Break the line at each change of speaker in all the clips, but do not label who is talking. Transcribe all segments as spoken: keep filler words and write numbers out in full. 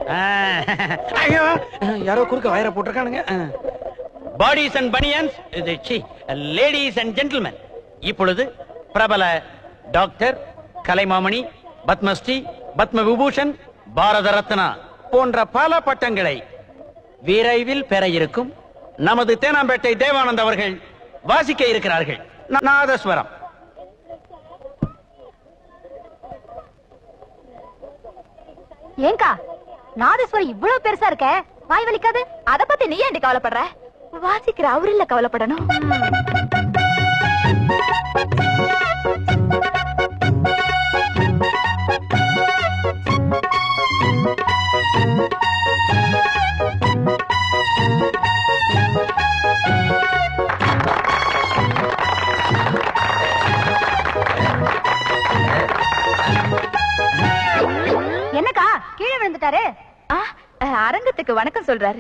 ஐயோ யாரோ குறுக்க வயரை போட்டிருக்கானுங்க. Bodies and banians, ladies and gentlemen, இப்பொழுது பிரபல டாக்டர், கலைமாமணி, பத்மஸ்ரீ, பத்ம விபூஷன், பாரத ரத்னா போன்ற பல பட்டங்களை விரைவில் பெற இருக்கும் நமது தேனாம்பேட்டை தேவானந்த் அவர்கள் வாசிக்க இருக்கிறார்கள். நாதஸ்வரம்.
ஏங்கா நாதஸ்வரம் இவ்வளவு பெருசா இருக்க, வாய் வலிக்காது? அத பத்தி நீ ஏன்டி கவலைப்படுற? வாசிக்கிற அவரு இல்ல கவலைப்படணும். என்னக்கா கீழே விழுந்துட்டாரு? அரங்கத்துக்கு வணக்கம் சொல்றாரு.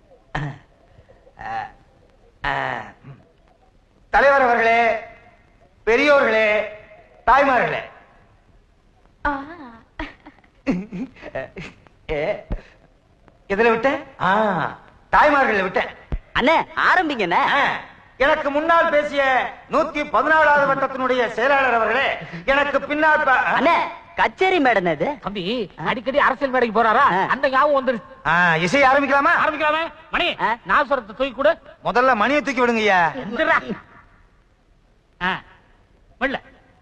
தலைவர் அவர்களே, பெரியோர்களே, தாய்மார்களே, எதுல விட்டேன்? தாய்மார்கள் விட்டேன்.
அண்ணே ஆரம்பிங்க.
எனக்கு முன்னால் பேசிய நூத்தி பதினாலாவது வட்டத்தினுடைய செயலாளர் அவர்களே, எனக்கு பின்னால்
அண்ணே கச்சேரி மேடம் இது.
தம்பி அடிக்கடி அரசியல் மேடைக்கு போறாரா? அந்த ஞாபகம் வந்துருச்சு.
இசை ஆரம்பிக்கலாமா?
ஆரம்பிக்கலாமே. மணி நாசுரத்தை தூக்கி கொடு.
முதல்ல மணியை தூக்கி விடுங்க ஐயா.
மெல்ல.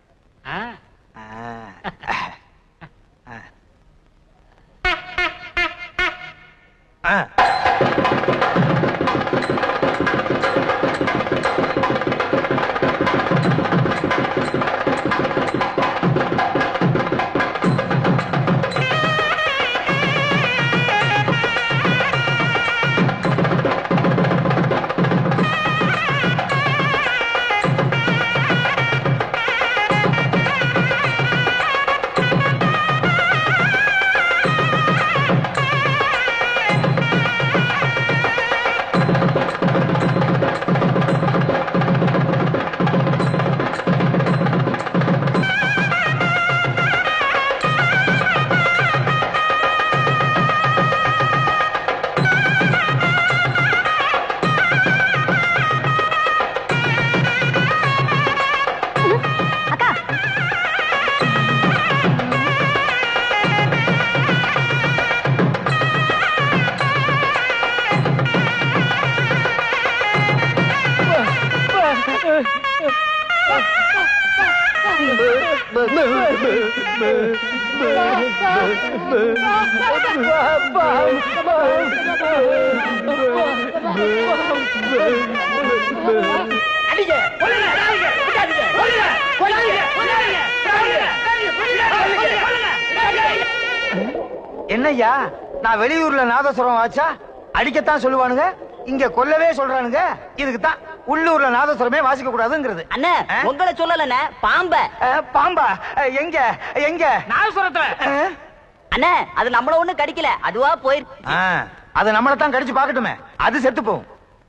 என்னய்யா, நான் வெளியூர்ல நாதஸ்வரம் வாச்சா அடிக்கத்தான் சொல்லுவானுங்க, இங்க கொல்லவே சொல்றானுங்க. இதுக்கு தான் உள்ளூர்ல நாதஸ்வரமே வாசிக்க கூடாதுங்கிறது.
அண்ணே உங்களை சொல்லலண்ணே, பாம்ப.
பாம்பா? எங்க எங்க?
நாதஸ்வரத்துல.
அண்ணே அது நம்மள ஒண்ணு கடிக்கல, அதுவா போயிருக்கு.
அது நம்மள தான் கடிச்சு பாக்கட்டுமே, அது செத்து போகும்.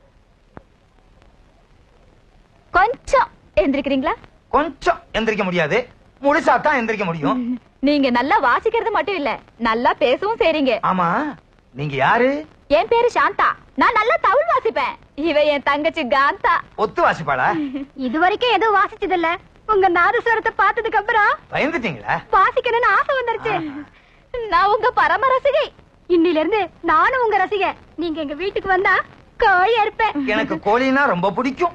கொஞ்சம் எந்திரிக்கிறீங்களா?
கொஞ்சம் எந்திரிக்க முடியாது, முழுசா தான் எந்திரிக்க முடியும்.
நீங்க நல்லா வாசிக்கிறது மட்டும் இல்ல, நல்லா பேசவும் செய்றீங்க.
ஆமா, நீங்க யாரு?
என் பேரு சாந்தா, நான் நல்லா தவுள் வாசிப்பேன். இவ என் தங்கச்சி காந்தா.
ஒத்து வாசிப்பாளா?
இது வரைக்கும் எதுவும் வாசிச்சது இல்ல. உங்க நாதஸ்வரத்தை பார்த்ததுக்கு அப்புறம்
பயந்துட்டீங்களா?
வாசிக்கணும்னு ஆசை வந்துருச்சு. நான் உங்க பரம ரசிகை. இன்னில இருந்து நானும் உங்க ரசிகை. நீங்க எங்க வீட்டுக்கு வந்தா கோழி அறுப்பேன்.
எனக்கு கோழினா ரொம்ப பிடிக்கும்.